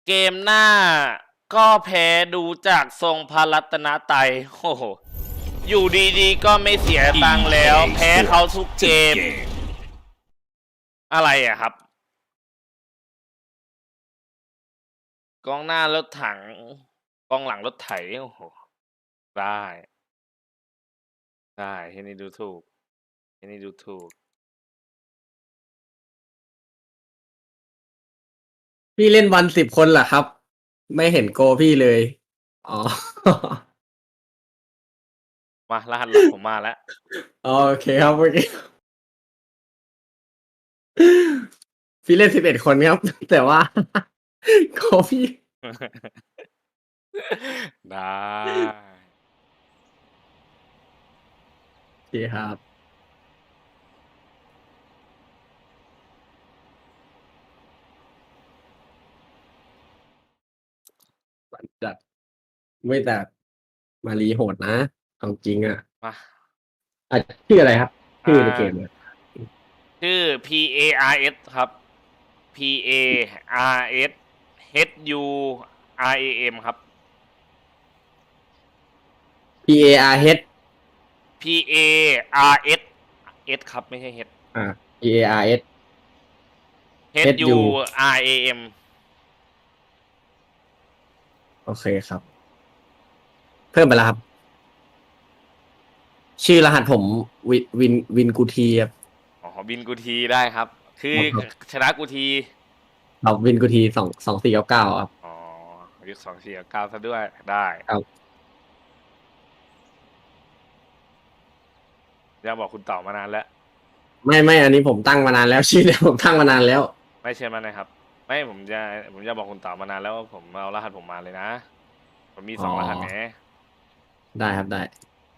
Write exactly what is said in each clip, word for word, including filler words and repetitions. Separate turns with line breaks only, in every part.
เกมหน้าก็แพ้ดูจากทรงพระรัตนตรัยโอ้โหอยู่ดีๆก็ไม่เสียตังค์แล้ว แพ้เขาทุกเกม อะไรอะครับ กองหน้ารถถัง กองหลังรถไถ โอ้โห ได้ ได้ที่นี่ดูถูกที่นี่ดูถูก
พี่เล่นวันสิบคนเหรอครับ ไม่เห็นโกพี่เลย อ๋อ
มารหัสหลักผมมาแล้ว
โอเคครับโอเคพี่เล่นสิบเอ็ดคนครับ แต่ว่า โกพี่
ได้
โอเคครับ จัดไม่แต่มารีโหดนะเอาจริงอ่ะ
มา
อ่ะชื่ออะไรครับ ชื่อในเกม
อ่า
เนี่ย
ชื่อ P A R S ครับ P A R S H U R A M ครับ
P A R H
P A R S S ครับไม่ใช่ H
อ่า P A R S
H
H
U
U
R A M
โอเคครับ เพิ่มไปแล้วครับ ชื่อรหัสผมวินวินวินกูทีครับ
อ๋อบินกูทีได้ครับ คือ
ครับ
ชนะกูที
เราวินกูทีสองสองสี่เก้าเก้าครับ
อ๋อยุคสองสี่เก้าซะด้วยได้
ครับ
จะบอกคุณต่อมานานแล้ว
ไม่ไม่อันนี้ผมตั้งมานานแล้ว ชื่อเนี่ยผมตั้งมานานแล้ว
ไม่เชื่อมันนะครับ ไม่ผมจะผมจะบอกคุณต่อมานานแล้วว่าผมเอารหัสผมมาเลยนะ ผมมีสอง
อ๋อ
รหัสไง
ได้ครับได้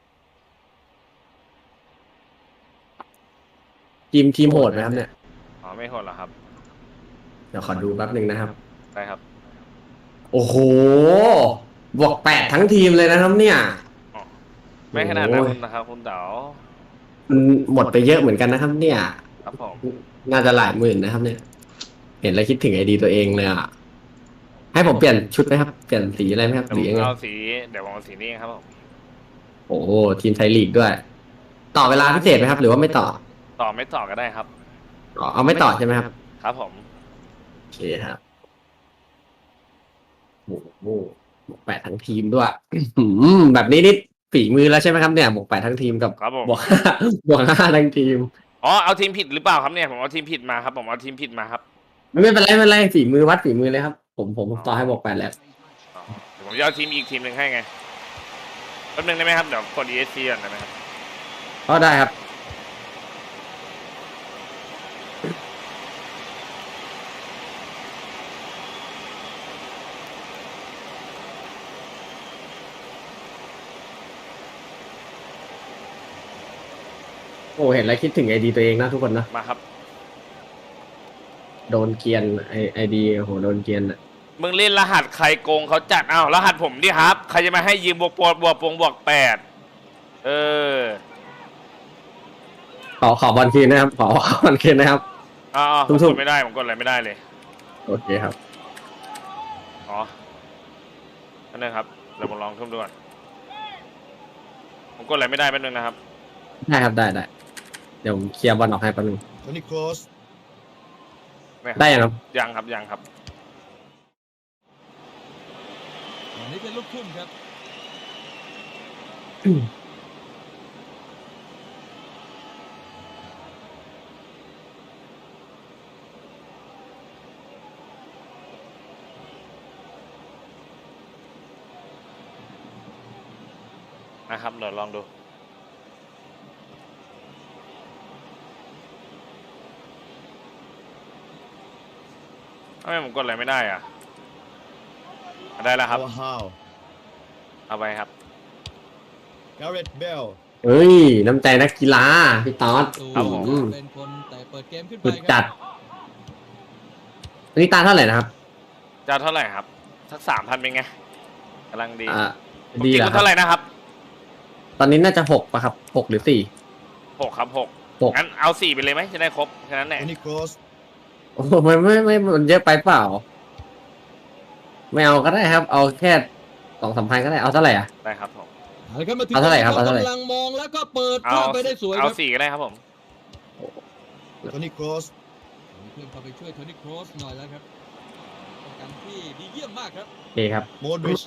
ทีมทีมโหดไหมครับเนี่ย
อ๋อไม่โหดหรอครับ
เดี๋ยวขอดูแป๊บหนึ่งนะครับ
ได้ครับ
โอ้โห บวกแปดทั้งทีมเลยนะครับเนี่ย
อ๋อไม่ขนาดนั้น
โอ้ย
นะครับ คุณเต๋า
มันหมดไปเยอะเหมือนกันนะครับ เนี่ย
ครับผม
น่าจะหลายหมื่นนะครับ เนี่ย เห็นแล้วคิดถึงไอดีตัวเองเลยอ่ะ ให้ผมเปลี่ยนชุดไหมครับ เปลี่ยนสีอะไรไหมครับ
เดี๋ยว
ห
ผ
รือ
ม
ยังไง
เอาสีเดี๋ยวผมเอาสีนี้ครับผม
โอ้โหทีมไทยลีกด้วย ต่อเวลาพิเศษไหมครับ หรือว่าไม่ต่อ
ต่อไม่ต่อก็ได้ครับ
อ๋อเอาไม่ต่อใช่ไหมครับ
ครับผม
โอเคครับโอ้โหบวกแปดทั้งทีมด้วย อื้อหือแบบนี้นี่ฝีมือแล้วใช่ไหมครับเนี่ยบวกแปดทั้งทีมกับ
ครับผม
บวกห้าบวกห้าทั้งทีม
อ๋อเอาทีมผิดหรือเปล่าครับเนี่ยผมเอาทีมผิดมาครับผมเอาทีมผิดมาครับ
ไม่เป็นไรไม่เป็นไรฝีมือวัดฝีมือเลยครับ ผมผมผมต่อให้บวกแปดแล้ว
อ๋อเดี๋ยวผมจะเอาทีมอีกทีมหนึ่งให้ไงแป๊บนึงได้ไหมครับเดี๋ยวกด E S C ก่อนได้ไหมครับ
ก็ได้ครับ โอ้เห็นแล้วคิดถึงไอดีตัวเองนะทุกคนนะ
มาครับ
โดนเกรียนไอไอดีโอ้โหโดนเกรียนอะ
มึงเล่นรหัสใครโกงเขาจัดอ้าวรหัสผมดิครับใครจะมาให้ยืมบวกปวดบวกปวงบวกแปดเออ
ขอขอบอลคืนนะครับ ขอขอบอลคืนนะครับ
อ๋อผม
ทุ่
ก
ม
ด
ๆ
ไม่ได้ผมกดอะไรไม่ได้เลย
โอเคครับ
อ๋อนั่นนะครับเดี๋ยวผมลองทุ่มดูก่อนผมกดอะไรไม่ได้แป๊บนึงนะครับ
ได้ครับได้ได้เดี๋ยวผมเคลียร์บอลออกให้แป๊บนึง
โทนี่โครส
ม่ครับ
ได้ยังครับ
ยังครับยังครับ
อันนี้เป็นลูกทุ่มครับ
นะครับเดี๋ยวลองดูทำไมผมกดอะไรไม่ได้อ่ะได้แล้วครับ
อาวาฮาว
เอาไปครับ
การ์เร็ตเบล
เฮ้ย น้ำใจนักกีฬาพี่ต๊อด
ครับผม
อืม
เป็นคนแต่เปิดเกมขึ้นไป
สุด
ค
จั
รั
ด
บ
อันนี้ตาเท่าไหร่นะครับ
จะเท่าไหร่ครับสักสามพันเป็นไงกำลังดี
อ่า
ปก
ดี
ติ
เหรอ
คุณ
ครั
เท่า
บ
ไหร่นะครับ
ตอนนี้น่าจะหกป่ะครับหกหรือสี่
หกครับหก
หก
งั้นเอาสี่ไปเลยไหมจะได้ครบแค่นั้นแห
โท
ละ
นี่โครส
โอ้โหไม่ไม่ไม่มันเยอะไปเปล่าไม่เอาก็ได้ครับ เอาแค่สองสามพันก็ได้เอาเท่าไหร่อ่ะ
ได้ครับผม
เอาละครับมาถึง
เอาเท่าไหร่ครับเอาเท่าไหร่
กำลังมองแล้วก็เปิด
เอา
ข้ามไปได้สวยค
เอา
รับ
สี่ก็ได้ครับผม
โทนี่ครอสมีเพื่อนเข้าไปช่วยโทนี่ครอสหน่อยแล้วครับป้องกันที่ดีเยี่ยมมากครับ
โอเคครับ
โมดริช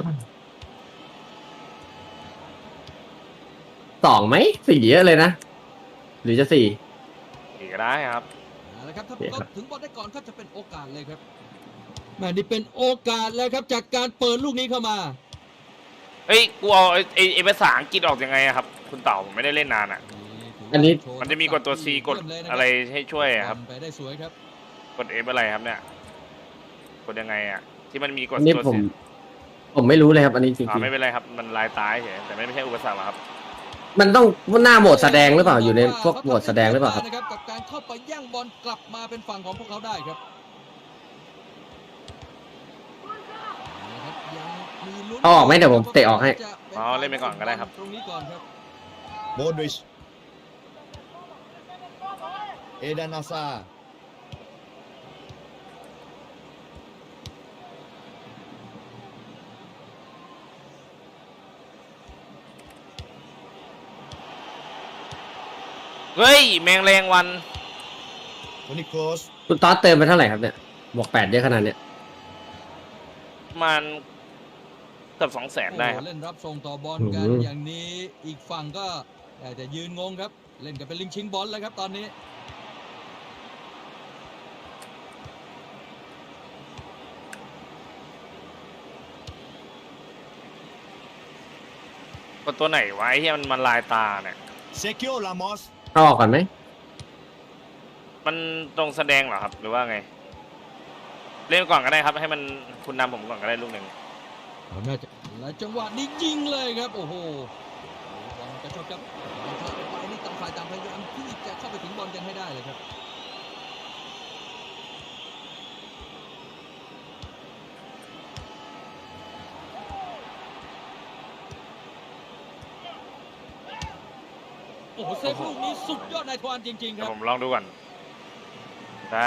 สองไหมสี่เยอะเลยนะ หรือจะสี่
สี่ก็ได้ครับ
เอาละครับถ้า
โอเคครับ
เขาถึงบอลได้ก่อนก็จะเป็นโอกาสเลยครับแม่นี่เป็นโอกาสเลยครับจากการเปิดลูกนี้เข้ามา
เฮ้ย กูเอาไอ้ไอ้ไอ้ภาษาอังกฤษออกยังไงอะครับ คุณเต่าผมไม่ได้เล่นนานอ่ะ
อันนี้
มันจะมีกดตัว C กดอะไรให้ช่วยอะครับ
ทำไปได้สวยครับ
กด F อะไรครับเนี่ย กดยังไงอ่ะ ที่มันมีกด
อันนี้
ตัว
ผม
C
ผมไม่รู้เลยครับ อันนี้จริ
อ่าง ไม่เป็นไรครับ มันลายตายเฉยแต่ไม่ไม่ใช่อุปสรรคหรอกครับ
ๆมันต้องหน้าโหมดแสดงหรือเปล่าอยู่ในพวกโหมดแสดงหรือเปล่าครับ
นะครับกับการเข้าไปแย่งบอลกลับมาเป็นฝั่งของพวกเขาได้ครับนะครับยังมีลุ้น
เอาออกไหมเดี๋ยวผมเตะออกให้
จะป็
อ๋อเล่นไปก่อนก็ได้ครับ
ตรงนี้ก่อนครับ
โมดริช เอดานอาซา
เฮ้ย แมงแรงวัน
โทนี่ครอส
คุณต๊อดเติมไปเท่าไหร่ครับเนี่ยบวกแปดเยอะขนาดเนี้ย
มันเกือบสองแสนได้ครับ
โอ้เล่นรับส่งต่อบอลกัน
อืม
อย่างนี้อีกฝั่งก็แต่จะยืนงงครับ เล่นกันเป็นลิงชิงบอลแล้วครับตอนนี้
กดตัวไหนไวะไอ้ที่มันมันลายตาเนี่ย
เซคิโอ ลามอส
เอาออกก่อนไหม
มันตรงแสดงเหรอครับ หรือว่าไง เล่นก่อนก็ได้ครับ ให้มันคุณนำผมก่อนก็ได้ลูกหนึ่ง
เอาน่าจะและจังหวะนี้ยิงเลยครับ โอ้โหบอลกระชากครับบอลเข้าไปนี่ต่างฝ่ายต่างพยายามที่จะเข้าไปถึงบอลกันให้ได้เลยครับ โอ้โหเซฟลูกนี้สุดยอดนายทวารจริง ๆ ค
เดี๋ย
รั
ว
บ
ผมลองดูก่อน ครับ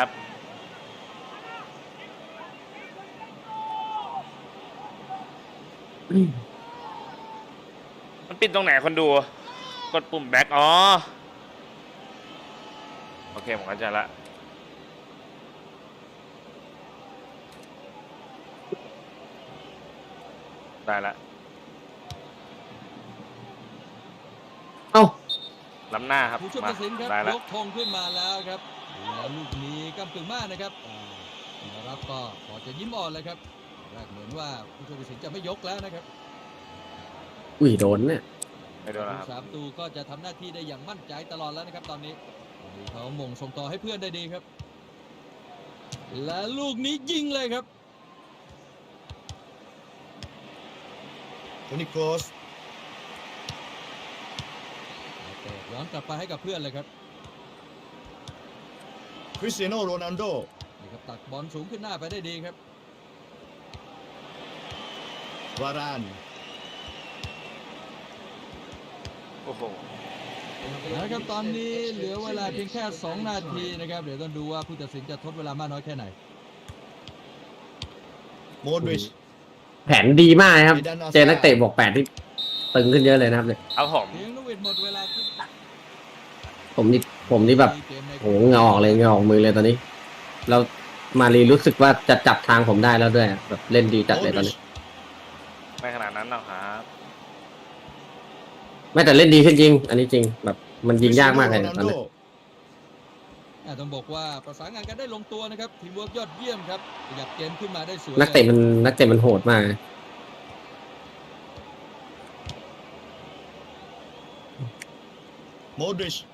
มันปิดตรงไหนคนดู กดปุ่มแบ็กอ๋อ โอเค ผมเข้าใจละ ได้ละ
เอ้า
ล้ำหน้าครับ
ผู้ช่วย
มา
ตัดสินครับ
ได้ละ
ยกธงขึ้นมาแล้วครับแล้วลูกนี้กำกึ่งมากนะครับอ่านะครับก็พอจะยิ้มอ่อนเลยครับแรกเหมือนว่าผู้ช่วยตัดสินจะไม่ยกแล้วนะครับ
อุ้ยโดนเนี่ย
ไม่โดนแล้วครับ
สามตูก็จะทำหน้าที่ได้อย่างมั่นใจตลอดแล้วนะครับตอนนี้เขาหม่งส่งต่อให้เพื่อนได้ดีครับ และลูกนี้ยิงเลยครับ
โทนี่ครอส
ย้อนกลับไปให้กับเพื่อนเลยครับ
คริสเตียโน โรนัลโด
นี่ครับตักบอลสูงขึ้นหน้าไปได้ดีครับ
วาราน
โอ้โห
นะครับตอนนี้เหลือเวลาเพียงแค่สองนาทีนะครับเดี๋ยวต้องดูว่าผู้ตัดสินจะทดเวลามากน้อยแค่ไหน
โมดริช
แผนดีมากนะครับ เจอนักเตะบวกแปดที่ตึงขึ้นเยอะเลยนะครับเนี่ย
เอาผม
เพียงลูกเวทหมดเวลาขึ้น
ผมนี่ผมนี่แบบ
เกมใน
โหเหงาออกเลยเหงาออกมือเลยตอนนี้ เรามารีรู้สึกว่าจะจับทางผมได้แล้วด้วยแบบเล่นดีจัด
โม
เลย
ด
ตอน
ริช
นี้
ไม่ขนาดนั้นหรอกครับ
ไม่แต่เล่นดีขึ้นจริง อันนี้จริงแบบมันยิงยากมากเลย
คริส
ตอน
เตียโน
นี้
โรนัลโด
อ่าต้องบอกว่าประสานงานกันได้ลงตัวนะครับทีมเวิร์กยอดเยี่ยมครับขยับเกมขึ้นมาได้สวย
นักเตะมันนักเตะมันโหดมาก
โมดริช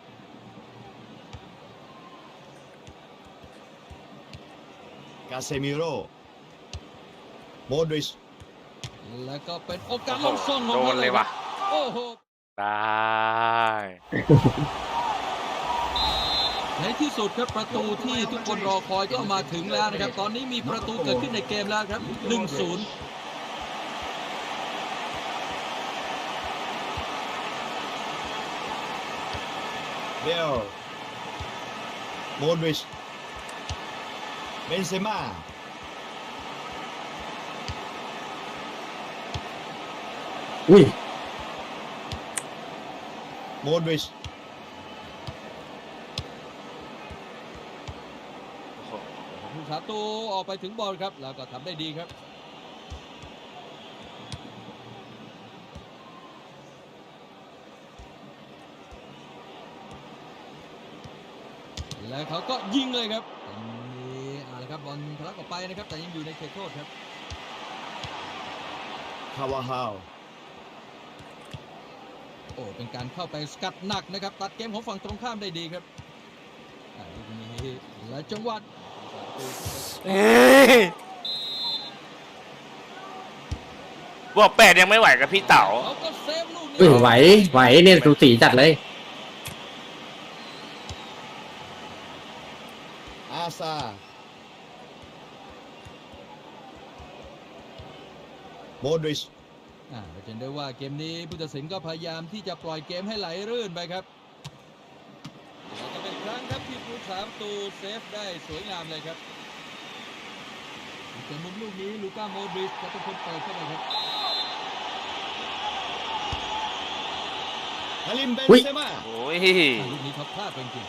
กาเซมิโร โมดริช
แล้วก็เป็นโอกาส
โอ้
ล
โห
งส่งของ
โด
เขา
นเลยว่ะ
โอ้โห
ได้
ในที่สุดครับประตูที่ทุกคนรอคอยก็มาถึงแล้วนะครับ ตอนนี้มีประตูเกิดขึ้นในเกมแล้วครับ หนึ่งศูนย์
เบล โมดริช เบนเซม่า
อุ้ย
โมดริช
โอ้โห
ผู้สาตูออกไปถึงบอลครับแล้วก็ทำได้ดีครับแล้วเขาก็ยิงเลยครับตรงนี้อ่าละครับบอลทะลักออกไปนะครับแต่ยังอยู่ในเขตโทษครับ
คาวาฮาว
โอ้เป็นการเข้าไปสกัดหนักนะครับตัดเกมของฝั่งตรงข้ามได้ดีครับอ่าลูกนี้และจังหวะ
เอ้ยบอกแปดยังไม่ไหวกับพี่เต๋า
เขาก็เซฟลูกนี้
อุ้ยไหวไหวเนี่ยสูสีจัดเลย
อาซา โมดริช
อ่าเราจะเห็นได้ว่าเกมนี้ผู้ตัดสินก็พยายามที่จะปล่อยเกมให้ไหลรื่นไปครับและจะเป็นครั้งครับที่ผู้สามประตูเซฟได้สวยงามเลยครับจากมุมลูกนี้ลูก้าโมดริชจะเป็นคนเปิดเข้าไปครับ
คาริมเบน
อุ๊ย
เซม่า
โอ้ย
อ่าลูกนี้เขาพลาดไปจริง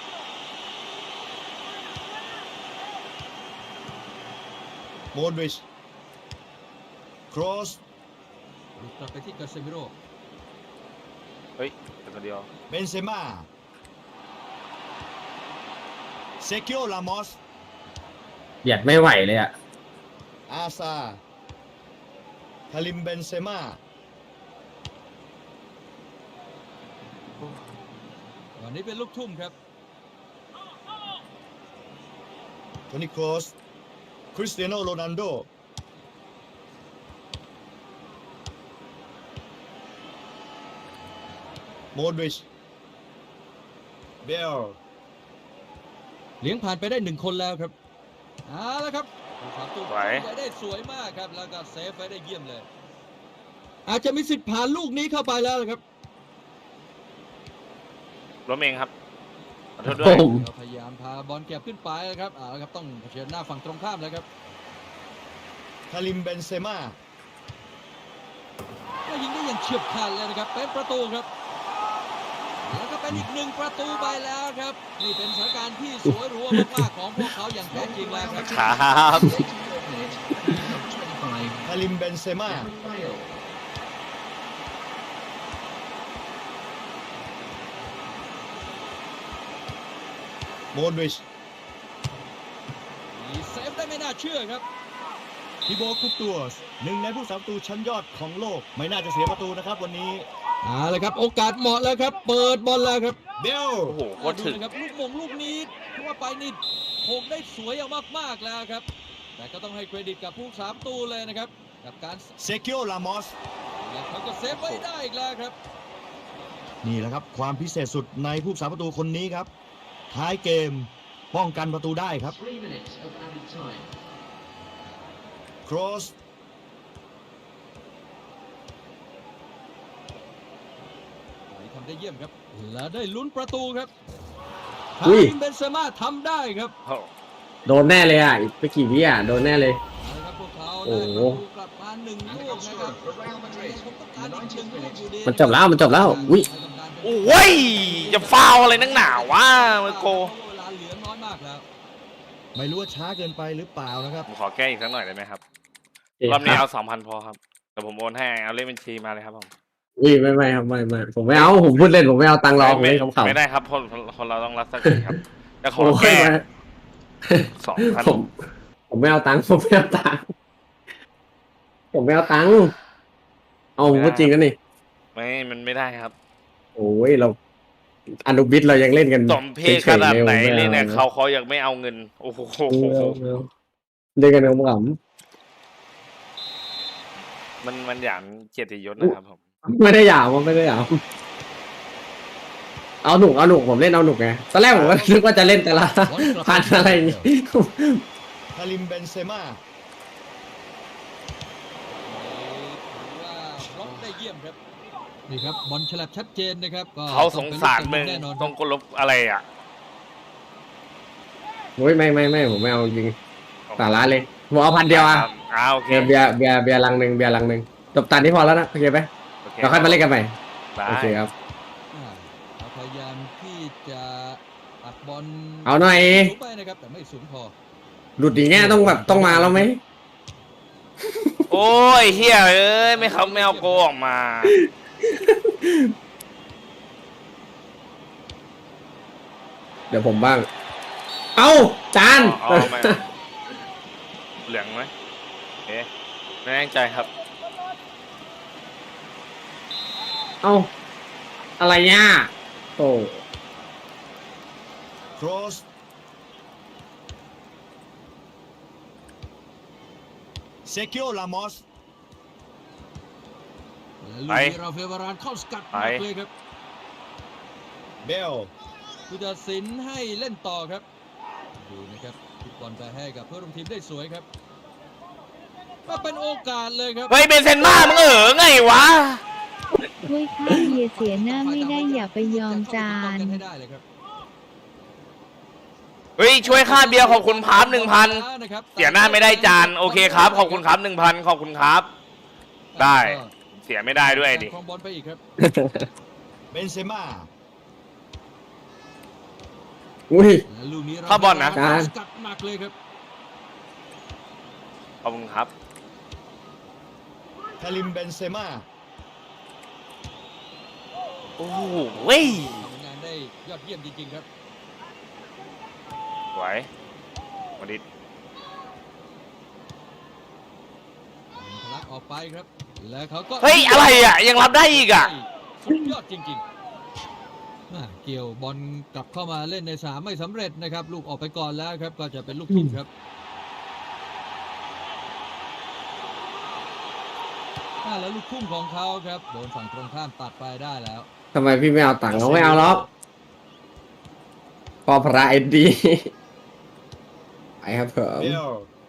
โมดริช ครอส
ๆหลุดกลับไปที่กาเซมิโร่
เฮ้ยแต่คนเดียว
เบนเซม่า เซคิโอ ลามอส
เบียดไม่ไหวเลยอ่ะ
อาซา คาริมเบนเซม่า
วันนี้เป็นลูกทุ่มครับ
โทนี่ครอส คริสเตียโน โรนัลโด โมดริช เบล
เลี้ยงผ่านไปได้หนึ่งคนแล้วครับเอาละครับผู้สามประตู
ไหว
ไว้ได้สวยมากครับแล้วก็เซฟไว้ได้เยี่ยมเลย อาจจะมีสิทธิ์ผ่านลูกนี้เข้าไปแล้วนะครับ
ล้มเองครับขอโทษด้
โอ้
วย
โห
เราพยายามพาบอลเก็บขึ้นไปนะครับเอาละครับต้องเผชิญหน้าฝั่งตรงข้ามแล้วครับ
คาริมเบนเซม่า
ก็ยิงได้อย่างเฉียบขาดเลยนะครับเป็นประตูครับแล้วก็เป็นอีกหนึ่งประตูไปแล้วครับนี่เป็นสถานการณ์ที่สวยหรูมากๆของพวกเขาอย่างแท้จริงแล้วครับ
ครับ
คาริมเบนเซม่า โมดริช
มีเซฟได้ไม่น่าเชื่อครับ
ทิโบคุปตัวสหนึ่งในผู้สามประตูชั้นยอดของโลก ไม่น่าจะเสียประตูนะครับวันนี้
เอาละครับโอกาสเหมาะแล้วครับเปิดบอลแล้วครับ
เบล
โอ้โหโคตรถึง
ดูนะครับลูกมงลูกนี้ที่ว่าไปนี่โขกได้สวยอย่างมากๆแล้วครับแต่ก็ต้องให้เครดิตกับผู้สามประตูเลยนะครับกับการ
เซคิโอ ลามอส
และเขาก็เซฟไว้ได้อีกแล้วครับ
นี่แหละครับความพิเศษสุดในผู้สาประตูคนนี้ครับ ท้ายเกมป้องกันประตูได้ครับ ครอส
ทำได้เยี่ยมครับ และได้ลุ้นประตูครับ
อุ้
คาย ริมเบนเซม่าทำได้ครับ
โอ้
โดนแน่เลยอ่ะอีกไม่กี่วิอ่ะโดนแน่เลย
เอาละครับพวกเขา
โอ้
ได้
โห
ประตูกลับมาหนึ่งลูกนะครับผมต้องการอีกหนึ่งลูกอยู่ดี
มันจบแล้วมันจบแล้วอุ้ย
โอ้ยจะฟาวอะไรนักหนาวะมาโก
เวลาเหลือน้อยมากแล้ว
ไม่รู้ว่าช้าเกินไปหรือเปล่านะครับ
ผมขอแก้อีกสักหน่อยได้ไหมครับ
เอ๊ะ
รอบนี้
ค
เอา
บ
สองพันพอครับแต่ผมโอนให้เอาเลขบัญชีมาเลยครับผม
อุ้ยไม่ไม่ครับไม่ไม่ผมไม่เอาผมพูดเล่นผมไม่เอาตังค์รอผม
ไม่
เล่นขำๆ
ไม่ได้ครับคนคนเราต้องรักษาสิครับแต่ขอ
โอ้ย
แก้
ไม่
สองพัน
ผมผมไม่เอาตังค์ผมไม่เอาตังค์ผมไม่เอาตังค์เอาผมพูดจริงนะนี่
ไม่มันไม่ได้ครับ
โอ้ยเราอนุบิตเรายังเล่นกัน
สมเพศขนาดไหน
ฉๆ
เลยเนี่ย
ผมไม่
เขาเขายังไม่เอาเงินโอ้โห
เอาเล่นกันขำ
มันมันหยามเกียรติยศนะครับผม
ๆไม่ได้หยามผมไม่ได้หยามเอาหนุกเอาหนุกผมเล่นเอาหนุกไงตอนแรกผมก็นึกว่าจะเล่นแต่ละพันอะไรอย่างงี้
คาริมเบนเซม่า
ถือว่าบล็อกได้เยี่ยมครับนี่ครับบอลฉลับชัดเจนนะครับก็
เขาสงสารมึง
แน่นอนค
ต้
รั
อบ งกลบอะไรอ่ะ
โอ้ยไม่ไม่ไม่ผมไม่เอาจริงสาระเลยผมเอาพันเดียวอ่ะ
อ่าโอเค
เบียร์เบียร์เบียร์เบียร์ลังหนึ่งเบียร์ลังหนึ่งจบตานนี้พอแล้วนะโอเคไหม
โอเค
เราค่อยมาเล่นกันใหม่
ได้
โอเคครับ
อ่าเขาพยายามที่จะอัดบอล
เอาหน่อย
สูงไปนะครับแต่ไม่สูงพอ
หลุดอย่างเงี้ยต้องแบบต้องมาแล้วไหม
โอ้ยเฮียเอ้ยไม่เขาไม่เอาโกออกมา
เดี๋ยวผมบ้าง เอ้าจาน
อ๋อไม่เหลืองไหมโอเคไม่แน่ใจครับ
เอ้าอะไรเนี่ยโอ้
cross เซคิโอลามอส
และลูก
ไป
นี้ราเฟลวารานเข้าสกัดหนักเลยครับ
เบล
ผู้ตัดสินให้เล่นต่อครับดูนะครับทุกบอลไปให้กับเพื่อนร่วมทีมได้สวยครับก็เป็นโอกาสเลยครับ
เฮ้ยเบนเซนม่ามึงเออไงวะ
ถ้วยข้าวเบียร์เสียหน้าไม่ได้อย่าไปยอมจาน
ให้ได้เลยครับ
เฮ้ยช่วยค่าเบียร์ขอบคุณพาร์ทหนึ่งพันเสียหน้าไม่ได้จานโอเคครับขอบคุณครับหนึ่งพันขอบคุณครับ ได้ เสียไม่ได้ด้วยดิ
ครองบอลไปอีกครับ
เบนเซม่า
อุ้ย
และลูกนี้
เข้าบอลนะ
ราเฟลวารานสกัดหนักเลยครับ
ขอบคุณครับ
คาริมเบนเซม่า
โอ้โหเว้ย
ทำงานได้ยอดเยี่ยมจริงๆครับ
สวยมาดิ
ทะลักออกไปครับ แล้วเขาก็
เฮ้ยอะไรอ่ะยังรับได้อีกอ่ะ
สุดยอดจริงๆอ่าเกี่ยวบอลกลับเข้ามาเล่นในสนามไม่สำเร็จนะครับ ลูกออกไปก่อนแล้วครับก็จะเป็นลูกทุ่มครับอ่าแล้วลูกทุ่มของเขาครับโดนฝั่งตรงข้ามตัดไปได้แล้ว
ทำไมพี่ไม่เอาตังค์เขาไม่เอาหรอกพอพระเอ็ดดีไปครับผม
เบล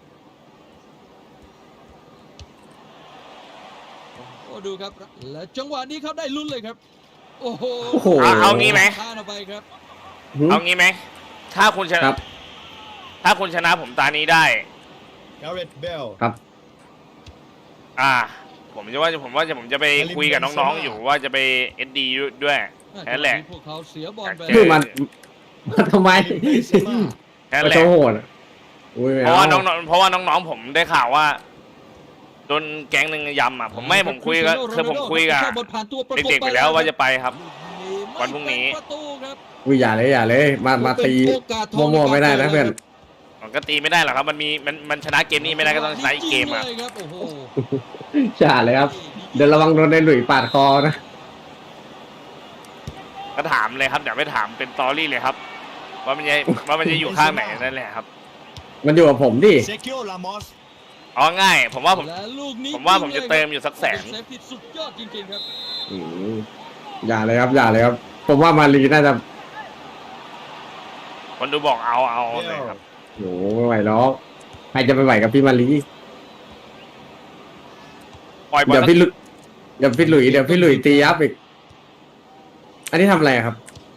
โอ้ดูครับ และจังหวะนี้เขาได้ลุ้นเลยครับ โอ้โห
โอ้โห
เอาเอางี้ไหม
ข้ามออกไปครับ
เอางี้ไหมถ้าคุณช
ค
นะ
รับ
ถ้าคุณชนะผมตานี้ได้
กาเรตเบล
ครับ
อ่า ผมจะว่าจะผมว่าจะผมจะไปคุยกับน้องๆอยู่ว่าจะไปเอ็ดดีด้วย แค่นั้นแหละ
พวกเขาเสียบอลไป
คือมันมันทำไม
คาริมเบนเซม่า
แค่นั้น
มัน
แหละ
โชว์โหดอะอุ้ยไม่
เพราะว่าน้
เอา
องๆเพราะว่าน้องๆผมได้ข่าวว่าโดนแก๊งหนึ่งยำอ่ะผมไม่ผมคุยกับคือผมคุยกับเด็กๆไปแล้วว่าจะไปครับ วันพรุ่งนี้
ประตูครับ
อุ้ยอย่าเลยอย่าเลย มามาตี
เป็นโอกาสทอง
มั่วๆไม่ได้นะเพื่อน
มันก็ตีไม่ได้หรอกครับ มันมีมันมันชนะเกมนี้ไม่ได้ก็ต้องชนะอีกเกมอ่ะ
จริงๆเลยครับโอ้โห
อย่าเลยครับ เดี๋ยวระวังโดนในหลุยปาดคอนะ
ก็ถามเลยครับเดี๋ยวไปถามเป็นตอรี่เลยครับ ว่ามันจะว่ามันจะอยู่ข้างไหนนั่นแหละครับ
มันอยู่กับผมดิ
เซคิโอลามอส
อ๋อง่าย ผมว่าผม
และลูกนี้
ผมว่าผมจะเติมอยู่สักแสน
เป็นเซฟที่สุดยอดจริงๆครับ
อืมอย่าเลยครับ อย่าเลยครับ ผมว่ามารีน่าจะ
คนดูบอกเอาเอา
เบ
เลย
ล
ครับ
โหไม่ไหวแล้วใครจะไปไหวกับพี่มารี
ปล่อยบอล
เดี๋ยวพี่ลุเดี๋ยวพี่หลุยเดี๋ยวพี่หลุยตียับอีก อันนี้ทำอะไรครับ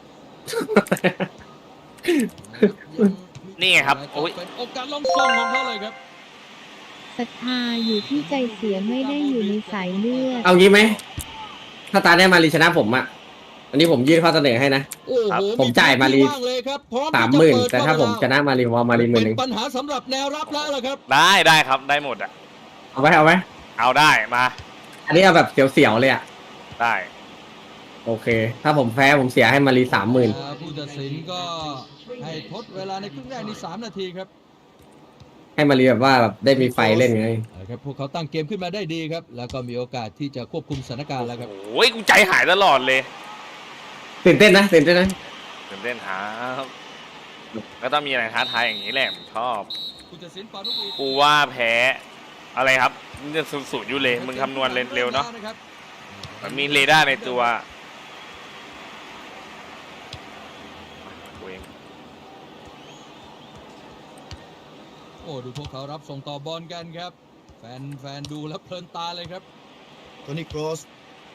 นี่ไงครับโอ้ย
เป็นโอกาสลงส่งของเขาเลยครับ
ศรัทธาอยู่ที่ใจเสียไม่ได้อยู่ในสายเลือด
เอางี้ไหม ถ้าตาได้มารีชนะผมอ่ะ อันนี้ผมยื่นข้อเสนอให้นะ
โอ้โห
ผมจ่ายมาลี
พื้นที่ว่งเลยครับพร้อ
สาม
ที่
หมื่น
จะเปิด
แต่ถ้าผมชนะมารีผมเอามารีหมื่นห
เป็
นึ่ง
นปัญหาสำหรับแนวรับแล้วล่ะครับ
ได้ได้ครับได้หมดอ่ะ
เอาไว้เอาไว้
เอาได้มา
อันนี้เอาแบบเสียวๆเลยอ่ะ
ได้
โอเค ถ้าผมแพ้ผมเสียให้มารีสามหมื่น
อ่าผู้ตัดสินก็ให้ทดเวลาในครึ่งแรกนี่สามนาทีครับ
ให้มารีแบบว่าแบบได้มีไฟเล่นไง
เอาครับพวกเขาตั้งเกมขึ้นมาได้ดีครับ แล้วก็มีโอกาสที่จะควบคุมสถานการณ์แล้วครับ
โอ้ยกูใจหายตลอดเลย
ตื่นเต้นนะตื่นเต้นนะ
ตื่นเต้นครับก็ต้องมีอะไรท้าทายอย่างนี้แหละผมชอบ
ผู้ตัดสินปานุอี
กูว่าแพ้อะไรครับมันจะสูญๆอยู่เลยมึงคำนวณเร็วๆเนาะ
ครับ
มันมีเรดาร์ในตัวกูเอง
โอ้ดูพวกเขารับส่งต่อบอลกันครับ แฟนแฟนดูแล้วเพลินตาเลยครับ
โทนี่โครส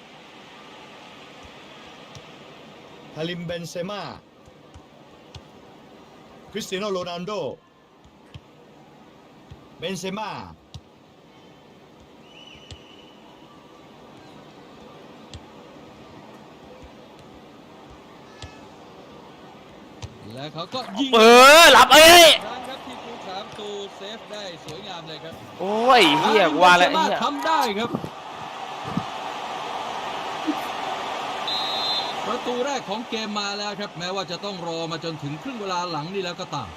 คาริมเบนเซม่าคริสเตียโนโรนัลโดเบนเซม่า
และเขาก็ยิง
เออรับเอ้ย
ครั้งครับที่ผู้สาประตูเซฟได้สวยงามเลยครับ
โอ้ยเฮียกูว่าแล้วไอ้
สามารถ
เฮีย
ทำได้ครับ ประตูแรกของเกมมาแล้วครับ แม้ว่าจะต้องรอมาจนถึงครึ่งเวลาหลังนี่แล้วก็ตาม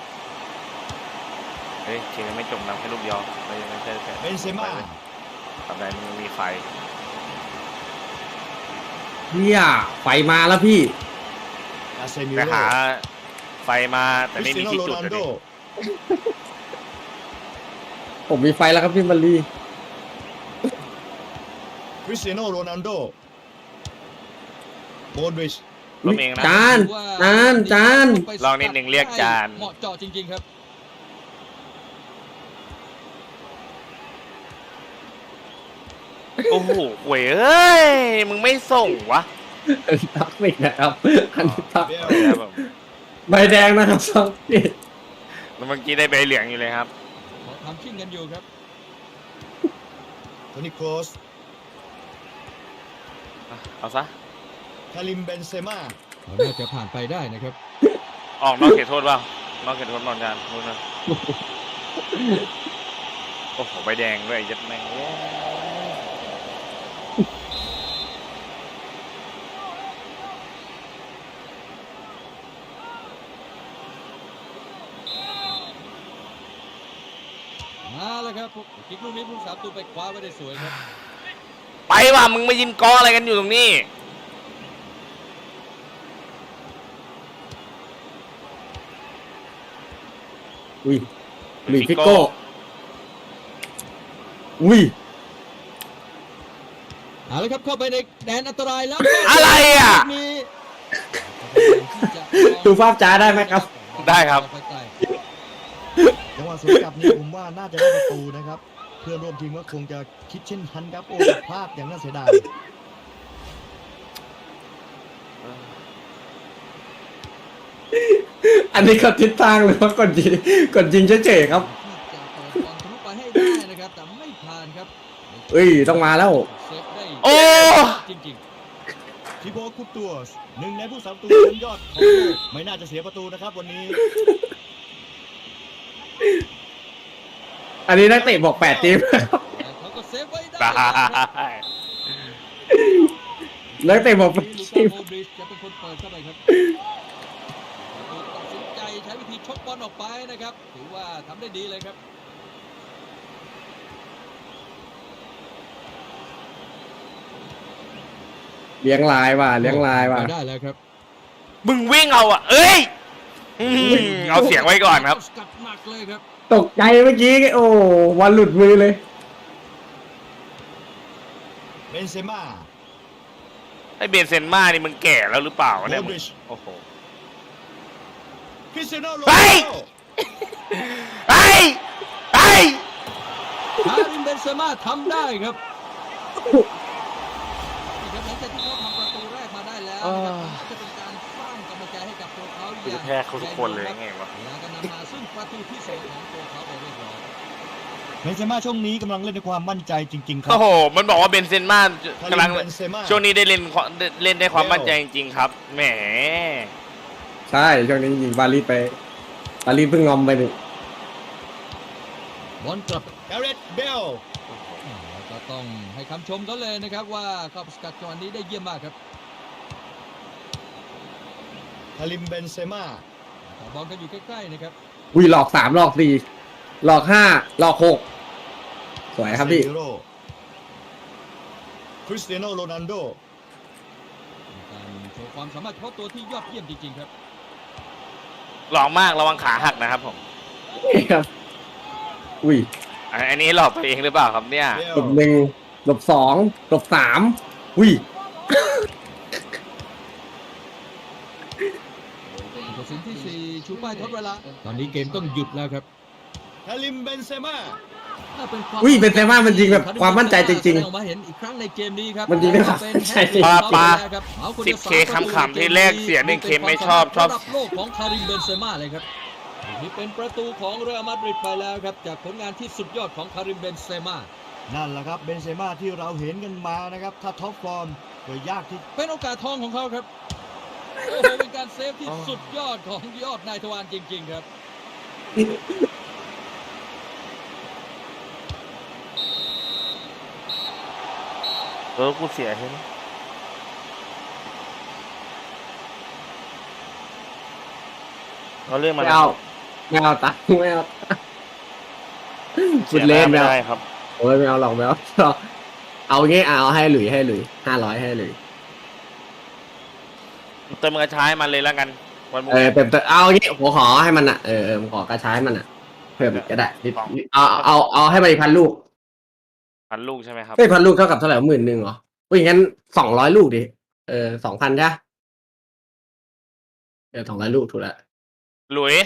เฮ้ยทีมไม่จมน้ำแค่ลูกเดียวไม่ไม่ใช่แค่
เบนเซม่า
ทำไมมันมีไฟ
เนี่ยไฟมาแล้วพี่
อาเซมิ
แต่
โร่
หาไฟมาแต่
คริ
ไม่
ส
มี
เตียโน
ที่
โร
จุด
นัล
เลย
โด
ดิ
ผมมีไฟแล้วครับพี่มารี
คริสเตียโนโรนัลโดโมดริช
ล้มเองนะ
จานจานจาน
ลองนิดหนึ่งเรียกจาน
เหมาะเจาะจริงๆครับ
โอ้โหเว้ยเอ้ยมึงไม่ส่งวะ
ทักไม่นะครับอันนี้ทัก
เบล
ครับผม
ใบแดงนะครับสองพี่
แล้วเมื่อกี้ได้ใบเหลืองอยู่เลยครับ
เขาทำชิ่งกันอยู่ครับ
โทนี่โครส
เอาซะ
คาริมเบนเซม่า
เขาน่าจะผ่านไปได้นะครับ
ออกนอกเขตโทษเปล่านอกเขตโทษนอนจานนู่นนะโอ้โหใบแดงด้วยยัดแม่งเอ้ย
มาแล้วครับกิกลูกนี้ผู้สาประตูไปคว้าไว้ได้สวยครับ
ไปว่ะมึงมายินกออะไรกันอยู่ตรงนี้
อุ้ยลุยฟิโก้อุ้ย
เอาละครับเข้าไปในแดนอันตรายแล้ว
อะไรอ่ะ
ลูกนี้
ดูภาพจ้าได้ไหมครับ
ได้ครับ
จังหวะสวนกลับนี้ผมว่าน่าจะได้ประตูนะครับ เพื่อนร่วมทีมก็คงจะคิดเช่นทันครับโอ้แต่พลาดอย่างน่าเสียดาย
อันนี้ก็ทิศทางเลยว่ากดยิงกดยิงเฉยๆครับ
ที่จะเปิดบอลทะลุไปให้ได้นะครับแต่ไม่ผ่านครับ
เอ้ยต้องมาแล้ว
เซฟได้
โอ้
จริง
ทิโบคุปตัวสหนึ่งในผู้สาประตูคนยอดของโลกไม่น่าจะเสียประตูนะครับวันนี้
อันนี้นักเตะบอกแปดทีมครับ
ๆแต่เขาก็เซฟไว้ได้
ได้
ครับ
นักเตะบอกแปด
ลู
ที
ก้าม โมดริชจะเป็นคนเปิดเข้าไปครับตัดสินใจใช้วิธีชกบอลออกไปนะครับถือว่าทำได้ดีเลยครับ
เลี้ยงลายว่ะเลี้ยงลายว่ะ
ไปได้แล้วครับ
มึงวิ่งเอาอ่ะ เอ้ยอืมเอาเสียงไว้ก่อนครับ
สกัดหนักเลยครับ
ตกใจเมื่อกี้โอ้วันหลุดมือเลย
เบนเซม่า
ไอเบนเซนมานี่มึงแก่แล้วหรือเปล่า
โม
เนี่ย
ด
มึง
ริช
โอ้โห
คริสเตียโนโร
เฮ้
นัล
ย
โด
ไอ้ไอ้
คาริมเบนเซม่าทำได้ครับนี่ครับหลังจากที่เขาทำประตูแรกมาได้แล้วนะครับจะเป็นการสร้างกำลังใจให้กับตัวเขา
กูจะแพ้เขาทุกคนเลยไงวะ
แล้วก็นำมาซึ่งประตูที่สองของตัวเขาไปเรียบร้อย
เบนเซม่าช่วงนี้กำลังเล่นด้วยความมั่นใจจริง ๆ ครั
โอ้โห มันบอกว่าเบนเซนมาก
คาริ
กำลัง
มเบนเซม่า
ช่วงนี้ได้เล่นความเล่นได้ความมั่นใจจริงๆครับ แหม
ใช่ช่วงนี้ยิงบาลีไปบาลีเพิ่งงอมไปหนึ่ง
บอลกลับ
แกเรตเบล
แล้วก็ต้องให้คำชมเขาเลยนะครับว่าเข้าสกัดจังหวะนี้ได้เยี่ยมมากครับ
คาริมเบนเซม่า
แต่บอลก็อยู่ใกล้ๆนะครับ
อุ้ยหลอกสามหลอกสี่หลอกห้าหลอกหกสวยครับพี่
เซมิโร่คริสเตียโนโรนัลโด
การโชว์ความสามารถเฉพาะตัวที่ยอดเยี่ยมจริงๆครับ
หลอกมากระวังขาหักนะครับผม
นี่ครับ อุ้ย
อันอันนี้หลอกตัวเองหรือเปล่าครับเนี่ย
เบ
หล
ล
บหนึ่งหลบสองหลบสามอุ้ย
ผู้ตัดสินที่สี่ชูป้ายทดเวลาตอนนี้เกมต้องหยุดแล้วครับ
คาริมเบนเซม่า
อุ้ยเป็นเซม่ามันยิงแบบความมั่นใจจริงๆ
แสดออกมาเห็นอีกครั้งในเกมนี้ครับ
มันยิงได้ความมั่นใจจริง
ปาปา
เอาคน
สิ
ดี
บ
ยว
เค
สาม
ขำๆที่แรกเสียหนึ่งเคไม่ชอบชอบ
ระดับโลกของคาริมเบนเซม่าเลยครับนี่เป็นประตูของเรอัลมาดริดไปแล้วครับจากผลงานที่สุดยอดของคาริมเบนเซม่า
นั่นแหละครับเบนเซม่าที่เราเห็นกันมานะครับ ถ้าท็อปฟอร์มก็ยากที่
เป็นโอกาสทองของเขาครับโอ้โหเป็นการเซฟที่
อ๋อ
สุดยอดของยอดนายทวารจริง ๆ ครับ
เออ กูเสียเห็นเอาเรื่องมา
ไม่
แล้ว
เอา
ครับ
ไม่เอาตังค์ไม่เอา
เสี
คุ
ย
ณ
ห
เล่
น้าน
ไม่
ไม่
เอา
ได้ครับ
โอ้ยไม่เอาหรอกไม่เอา เอางี้เอาให้หลุยให้หลุยห้าร้อยให้หลุย
เติมกระชายมันเลยแล้วกัน วันพรุ่
เอง อ
นี้
เต็มเต็มเอางี้ผมขอให้มันอ่ะเออเออผมขอกระชายมันอ่ะเพิ่มอีกก็ได้นิด
สอง
เอาเอาเอาให้มันอีกพันลูก
พันลูกใช่ไหมครับ
เฮ้ยพันลูกเท่ากับเท่าไหร่หมื่นหนึ่งเหรออุ้ยงั้นสองร้อยลูกดิเออสองพันใช่ปะเออสองร้อยลูกถูกแล้ว
หลุย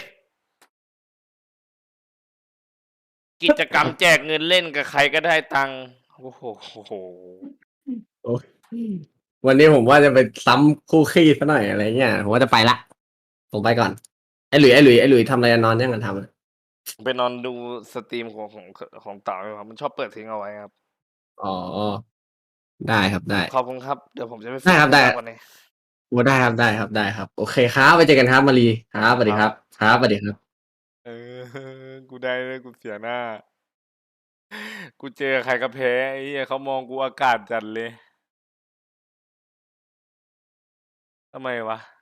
กิจกรรมแจกเงินเล่นกับใครก็ได้ตังค์โอ้โหโอ้โห
โอ้ยวันนี้ผมว่าจะไปซ้ำคู่ขี้ซะหน่อยอะไรเงี้ยผมว่าจะไปละผมไปก่อนไอ้หลุยไอ้หลุยไอ้หลุยทำอะไรนอนยังกันทำอะ
ไปนอนดูสตรีมของของของเต๋าอยู่ครับ มันชอบเปิดทิ้งเอาไว้ครับ
อ๋อได้ครับได้
ขอบคุณครับ เดี๋ยวผมจะไป
ได้ครับได้
วันนี้
โอ้ได้ครับได้ครับได้ครับโอเคครับไปเจอกันครับมารีครับสวัสดีครับครับสวัสดีครับ
เออ กูได้เลยกูเสียหน้า กูเจอใครก็แพ้ไอ้เหี้ยเขามองกูอากาศจัดเลยทำไมวะ